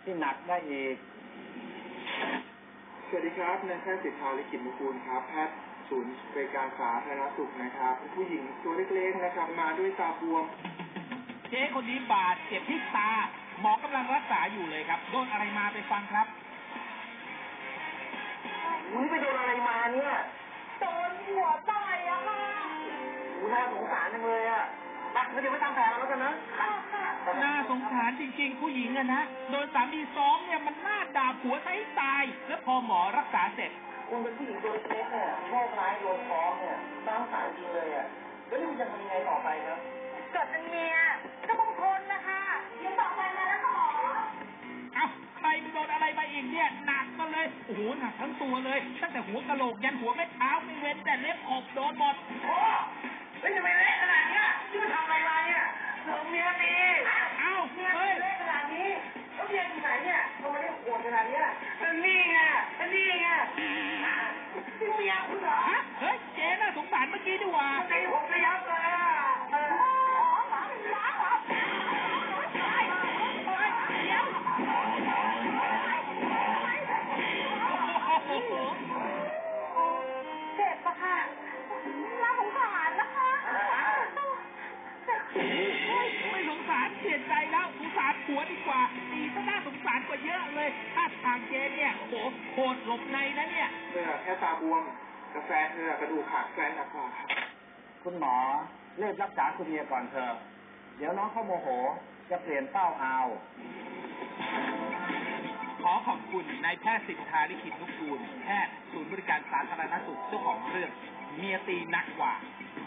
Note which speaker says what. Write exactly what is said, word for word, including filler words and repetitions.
Speaker 1: ที่หนักได้อีก
Speaker 2: สวัสดีครับนายแพทย์สิทธาลิขิตนุกูลครับแพทย์ศูนย์บริการสาธารณสุขนะครับเป็นผู้หญิงตัวเล็กๆนะครับมาด้วยตาบวม
Speaker 3: เจ๊คนนี้บาดเจ็บที่ตาหมอกำลังรักษาอยู่เลยครับโดนอะไรมาไปฟังครับ
Speaker 4: อุ้ยไปโดนอะไรมาเนี่ยโดนหัวต่อยอะค่ะอุ้ยน่าสงสารจังเลยอะรักเดี๋ยวไปทำแผลแล้วกันนะ
Speaker 3: น่าสงสารจริงๆผู้หญิงอะนะโดนสามีซ้อมเนี่ยมันน่าด่าผัวซะให้ตายแล้วพอหมอรักษาเสร็จ
Speaker 4: คุณเป็นผู้หญิงตัวเล็กเนี่ยโชคร้ายโดนฟ้องเนี่ยน่าสงสารจริงเลยอะแล้วนี่คุณจะทำยังไงต่อไปครับ
Speaker 5: เกิดเป็นเมียก็ต้องทนนะคะยังต่อไปมาแล้วค่ะหมอ
Speaker 3: เอ้าใครไปโดนอะไรมาอีกเนี่ยหนักมาเลยโอ้โหหนักทั้งตัวเลยตั้งแต่หัวกะโหลกยันหัวแม่เท้าไม่เว้นแต่เล็บขบโดนหมด
Speaker 4: โอ้ไม่ทำไมเละขนาดนี้ที่มันทำอะไรมาเนี่ยเธอเมียตี
Speaker 3: เอ้า
Speaker 4: เมียตีเละขนาดนี้แล้วเมียที่ไหนเนี่ยทำไมได้โหดขนาดนี้เป็นนี่ไงเป็นนี่ไงที่เมียคุณเหรอ
Speaker 3: ฮะเฮ้ยเจ๊น่าสงสารเมื่อกี้ดีกว่า
Speaker 4: ตีผมไปยับเลยอ่ะ
Speaker 5: เจ็บปะค่ะน่าสงสารนะคะ
Speaker 3: ไม่สงสารเสียใจแล้วสงสารผัวดีกว่าตีก็น่าสงสารกว่าเยอะเลยถ้าทางเจ๊เนี่ยโอ้โหโคตรหลบในนะเนี่ย
Speaker 2: เธอแค่ตาบวมกาแฟเธอกระดูกขาดแฟนหนักกว่าครับ
Speaker 1: คุณหมอเลิกรักษาคุณเมียก่อนเถอะเดี๋ยวน้องเขาโมโหจะเปลี่ยนเป้าเอา
Speaker 3: ขอขอบคุณนายแพทย์สิทธาลิขิตนุกูลแพทย์ศูนย์บริการสาธารณสุขเจ้าของเรื่องเมียตีหนักกว่า